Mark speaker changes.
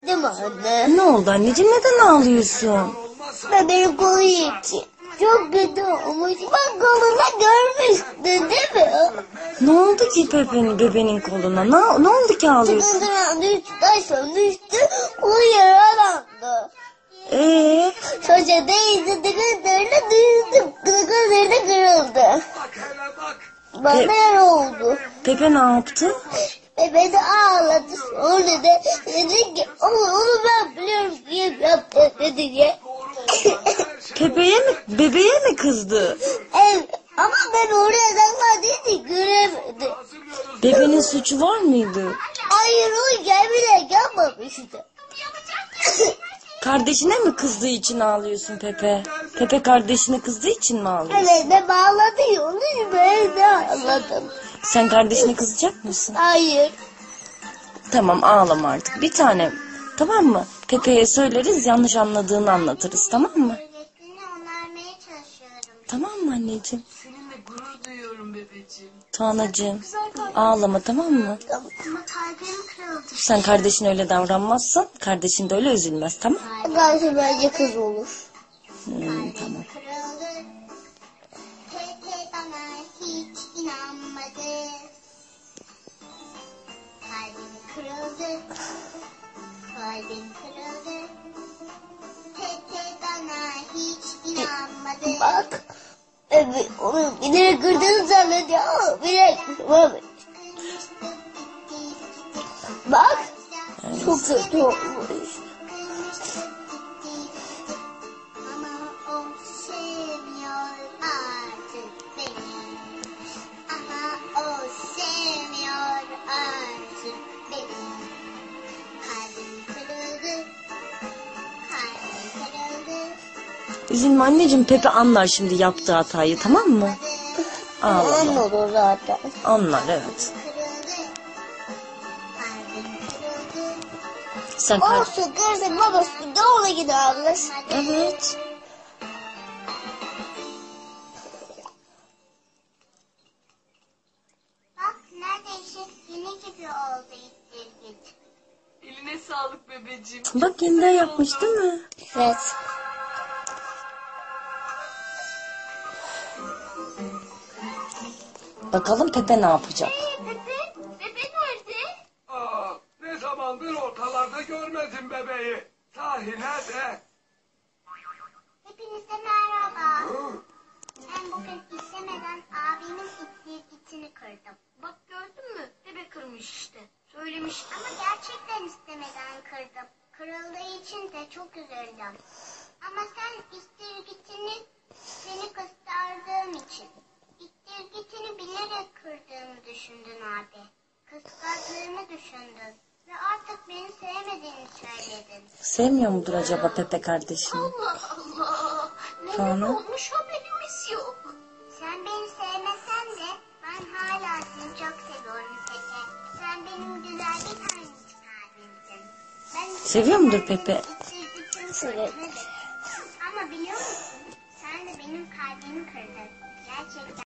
Speaker 1: Değil mi anne?
Speaker 2: Ne oldu anneciğim, neden ağlıyorsun?
Speaker 1: Bebeğin kolu için. Çok kötü olmuş. Bak kolunda görmüştün değil mi?
Speaker 2: Ne oldu ki bebeğin koluna? Ne oldu ki ağlıyorsun?
Speaker 1: Çıkıntıran düştü, taşla düştü. Kolu yaralandı. Çocuğa değildi, tıkıntılarına düştü. Tıkıntılarına kırıldı. Bana yara oldu.
Speaker 2: Pepe ne yaptı?
Speaker 1: Bebe de ağladı. Sonra da dedi ki onu ben biliyorum diye yaptı dedi diye.
Speaker 2: Bebeğe mi kızdı?
Speaker 1: Evet. Ama ben oraya sakladıydı göremedim.
Speaker 2: Bebeğin suçu var mıydı?
Speaker 1: Hayır o bile yapmamıştı.
Speaker 2: Kardeşine mi kızdığı için ağlıyorsun Pepe? Pepe kardeşine kızdığı için mi ağlıyorsun?
Speaker 1: Evet ben bağladı onu ben de ağladım.
Speaker 2: Sen kardeşine kızacak mısın?
Speaker 1: Hayır.
Speaker 2: Tamam, ağlama artık bir tanem. Tamam mı? Pepe'ye söyleriz, yanlış anladığını anlatırız, tamam mı? Tamam mı anneciğim?
Speaker 3: Seninle gurur duyuyorum bebeğim.
Speaker 2: Tuanacığım, ağlama, tamam mı?
Speaker 1: Tamam.
Speaker 3: Ama kalbim kırıldı.
Speaker 2: Sen kardeşine öyle davranmazsan kardeşin de öyle üzülmez, tamam mı?
Speaker 1: Karşı bence kız olur.
Speaker 2: Tamam.
Speaker 4: Kırıldı. Pepe bana hiç inanmadı. Kalbim kırıldı. Kalbim kırıldı. Pepe bana hiç inanmadı.
Speaker 1: Bak. Evet onu bilerek kırdığını zannediyor ama bilerek kırmamış. Bak. Çok kötü olmuş.
Speaker 4: Ama o sevmiyor artık beni. Ama o sevmiyor artık beni. Kalbim kırıldı. Kalbim kırıldı.
Speaker 2: Üzülme anneciğim, Pepe anlar şimdi yaptığı hatayı, tamam mı? Ağlama.
Speaker 1: Anladı zaten.
Speaker 2: Anlar, evet.
Speaker 4: Kırıldı. Kalbim kırıldı.
Speaker 2: Sen
Speaker 1: Olsun kırsın babası da ona giderler.
Speaker 2: Evet.
Speaker 4: Bak neredeyse yeni gibi oldu ittirgit.
Speaker 3: Eline sağlık bebeğim.
Speaker 2: Bak yeniden yapmış değil mi?
Speaker 1: Evet.
Speaker 2: Bakalım Pepe ne yapacak?
Speaker 4: Bebe nerede?
Speaker 5: Ne zamandır ortalarda görmedim bebeği. Sahi nerede?
Speaker 4: Hepinize merhaba. Ben bugün istemeden abimin ittirgitini kırdım.
Speaker 3: Bak gördün mü? Bebe kırmış işte. Söylemiştim.
Speaker 4: Ama gerçekten istemeden kırdım. Kırıldığı için de çok üzüldüm. Ama sen istirgitini seni kıskandığım için. İstirgitini bilerek kırdığımı düşündün abi. Kıskandığımı düşündün. Ve artık beni sevmediğini söyledin.
Speaker 2: Sevmiyor mudur acaba Pepe kardeşini?
Speaker 3: Allah Allah. Neler
Speaker 2: Tamam.
Speaker 3: olmuş haberimiz yok.
Speaker 4: Sen beni sevmesen de ben hala seni çok seviyorum Pepe. Sen benim güzel bir tanecik abimsin. Ben
Speaker 2: Seviyor mudur Pepe?
Speaker 4: Evet. Ama biliyor musun? Sen de benim kalbimi kırdın. Gerçekten.